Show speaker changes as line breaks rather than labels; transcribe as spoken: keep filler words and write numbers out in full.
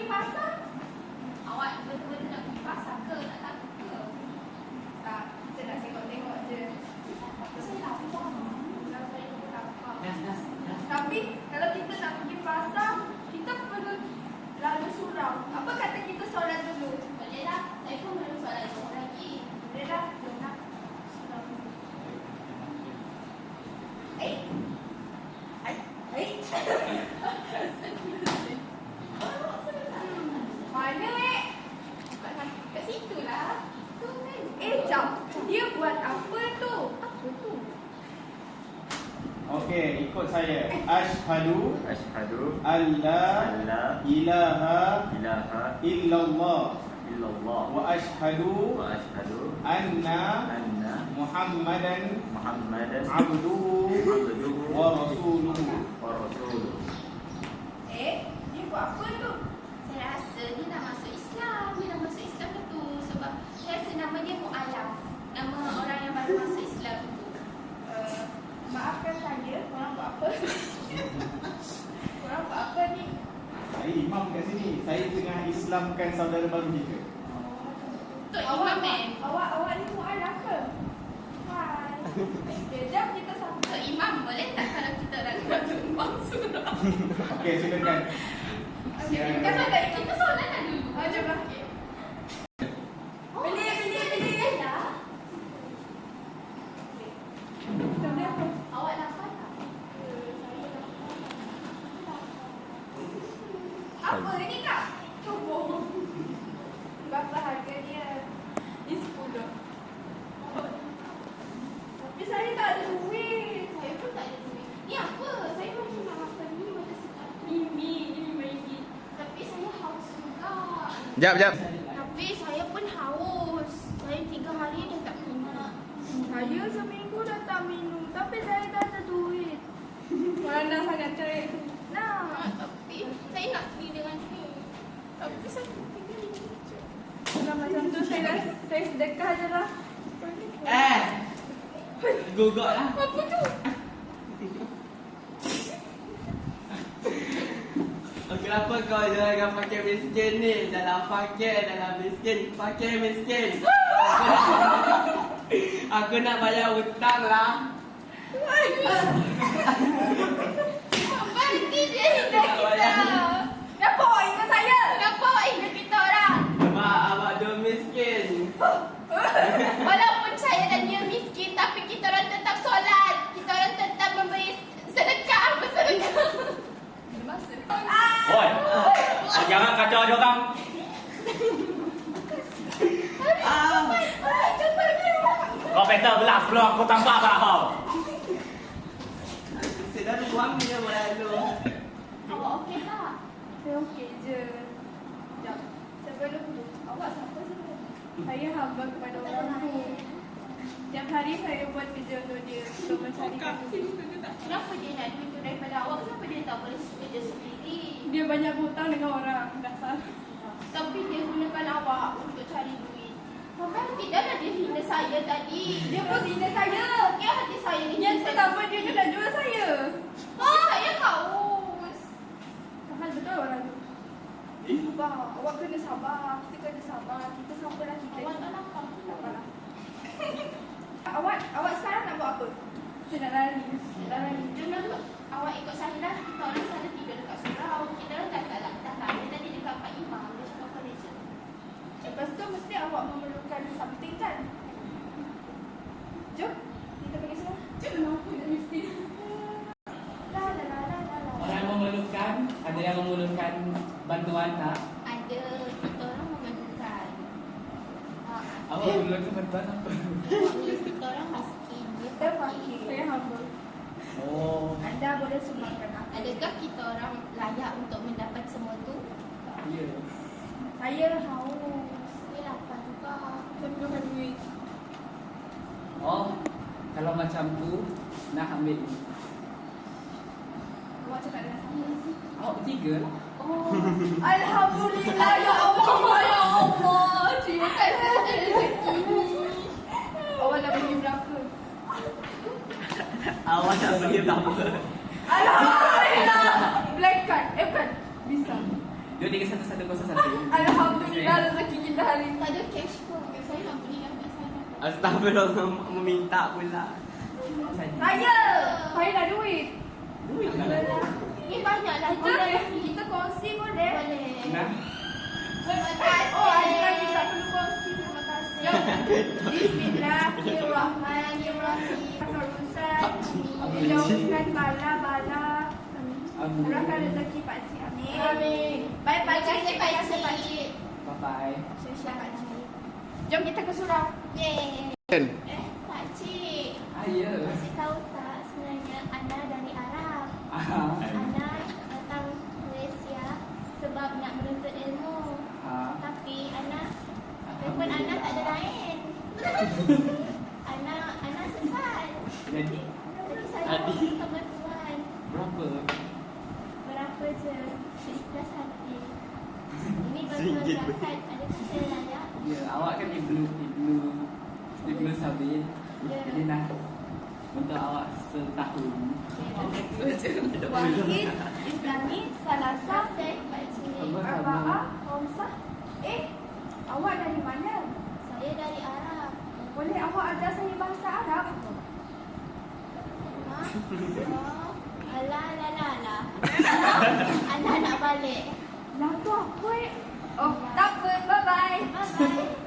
pasar? Awak betul-betul nak pergi pasar ke? Tak takut ke? Tak, kita nak tengok-tengok je. Saya lapar. Saya pun lapar.
Nas, nas, nas.
Tapi kalau kita nak pergi pasar, kita perlu lalu surau. Apa kata kita solat dulu? Bolehlah. Saya pun belum solat dulu lagi. Bolehlah. Jom nak. Surau. Eh. Eh. Eh. Mana eh? Kat situ lah. Tu kan. Eh, jap. Dia buat apa tu? Apa tu?
Okey, ikut saya. Asyhadu
Asyhadu
alla
alla
ilaha
ilaha
illallah
illallah
wa asyhadu
wa asyhadu
anna
anna
Muhammadan
Muhammadan
abduhu
abduhu
wa rasuluhu.
wa rasuluhu.
Eh, dia buat apa tu? Saya rasa dia nak masuk Islam. Dia nak masuk Islam ke tu? Sebab saya rasa nama dia Mu'alaf. Nama orang yang baru masuk Islam tu. Uh, maafkan saya, korang buat apa? Korang buat apa ni?
Saya imam kat sini. Saya tengah Islamkan saudara baru kita.
Tok Imam eh? Awak, awak ni Mu'alaf ke? Hai. Okay, jom kita sama. Tok Imam boleh tak kalau kita nak tumpang surau?
Okey, silakan.
Okay, kita solat, kita solat lah dulu. Oh, jom lah. Beli, beli, beli. Awak lapar tak? Apa ni kak? Cuba. Berapa harga dia? Ini sepuluh. Tapi saya tak ada duit. Saya pun tak ada duit. Ni apa? Saya macam nak makan ni macam sedap. Ni mi, ni mi. Tapi saya haus juga.
Jap, jap.
Tapi saya pun haus. Saya tiga hari dah tak minum. Saya seminggu dah tak minum. Tapi saya tak ada duit. Mana sangat cerai. Nah, tapi saya nak pergi dengan ni. Tapi saya tiga hari je. Nah, macam tu saya saya sedekah je lah.
Eh. Gugak lah.
Apa tu?
Kenapa kau jangan pakai miskin ni? Dalam fakir, dalam miskin, pakai miskin. Aku nak bayar hutang lah.
Berhenti dia ingat kita. Kenapa awak ingat saya? Kenapa awak ingat kita orang?
Sebab awak dua miskin.
Walaupun saya dan dia miskin, tapi kita orang tetap solat. Kita orang tetap memberi sedekah. Apa sedekah?
Oi, jangan kacau dia orang.
Ah.
Kau better belah peluang kau tambah apa kau?
Sudah buang dia lalu.
Awak okey tak? Saya okey je. Sekejap. Sebelum tu, awak siapa sebelum? Saya hamba kepada orang tu. Setiap hari saya buat kerja untuk dia untuk mencari duit. Kenapa dia nak duit tu daripada awak? Kenapa dia tak boleh kerja sendiri? Dia banyak hutang dengan orang. Dasar. Tapi dia gunakan awak untuk cari duit. Sampai tidaklah dia hina saya tadi. Dia pun hina saya. Ya, hati saya ni. Yang pertama dia tu nak jual saya. Oh, saya haus. Mahal betul orang tu. Sabar. Awak kena sabar. Kita kena sabar. Kita sabarlah kita. Awak tak lapar. Sabarlah. Awak, awak sekarang nak buat apa? Saya nak lari. Nak lari. Jom lah. Awak ikut saya lah. Kita orang sana tidur dekat surau. Kita orang dah tak dah lari tadi dekat Pak Imam. Dia cakap apa dia? Lepas tu mesti awak memerlukan something kan? Jom. Kita pergi sana. Jom. Kenapa dia mesti? La la la la la la.
Orang yang memerlukan, ada yang memerlukan bantuan tak?
Ada. Kita orang memerlukan. Ah,
Awak memerlukan bantuan apa?
kita orang miskin. Kita fakir. Saya hamba.
Oh,
Anda boleh sumbangkan apa? Adakah kita orang layak untuk mendapat semua tu?
ya.
Saya haus. Saya lapar juga. Saya perlukan duit.
Oh, kalau macam tu, nak ambil.
Awak cakap dengan saya sih.
Awak bertiga lah.
Oh, Alhamdulillah ya Allah, ya Allah. Terima kasih ada rezeki ni. Awak nak bagi berapa?
Awak nak bagi berapa?
Alhamdulillah. Black card. Eh bukan. Bisa.
Dua, tiga, satu, satu, kosong, satu.
Alhamdulillah rezeki kita hari ni.
Tak ada cash pun. Saya nak beli yang kat sana.
Astagfirullah, meminta pula.
Saya. Saya dah duit.
Duit
Ni banyak lah.
Kita kita kongsi boleh.
Boleh.
Nah,
Terima kasih.
Oh, ada lagi tak perlu kongsi. Terima kasih. Jom. Bismillahirrahmanirrahim. Urusan dijauhkan bala-bala. Murahkan rezeki pakcik. Amin.
Amin.
Baik pakcik,
Terima
terima
kasih
kasih pakcik.
bye-bye.
Siap pakcik. Jom kita ke surau.
Yeay. Eh, Pakcik.
Ah, ya.
Pakcik tahu tak sebenarnya Ana dari Arab.
Ah,
Ana datang Malaysia sebab nak menuntut ilmu.
ah.
Tapi Ana, telefon Ana tak ada lain. Ana, Ana sesat.
Jadi,
Jadi saya
Adik.
minta bantuan.
berapa?
Berapa je? Seikhlas hati. Ini bantuan
Seringgit.
zakat. Adakah saya layak?
Ya, awak kan ibnu, ibnu, ibnu Sabil.
Ya.
Jadi nak untuk awak setahun.
Wahid, Islami, Salasa,
Saya Pakcik.
Arba'ah, Khamsah. Eh, awak dari mana?
Saya dari Arab.
Boleh awak ajar saya bahasa Arab?
Mak. Oh. Alah, alah, alah, alah. Ana nak balik.
Lah tu apa eh? Oh, tak apa. Bye-bye.
Bye-bye.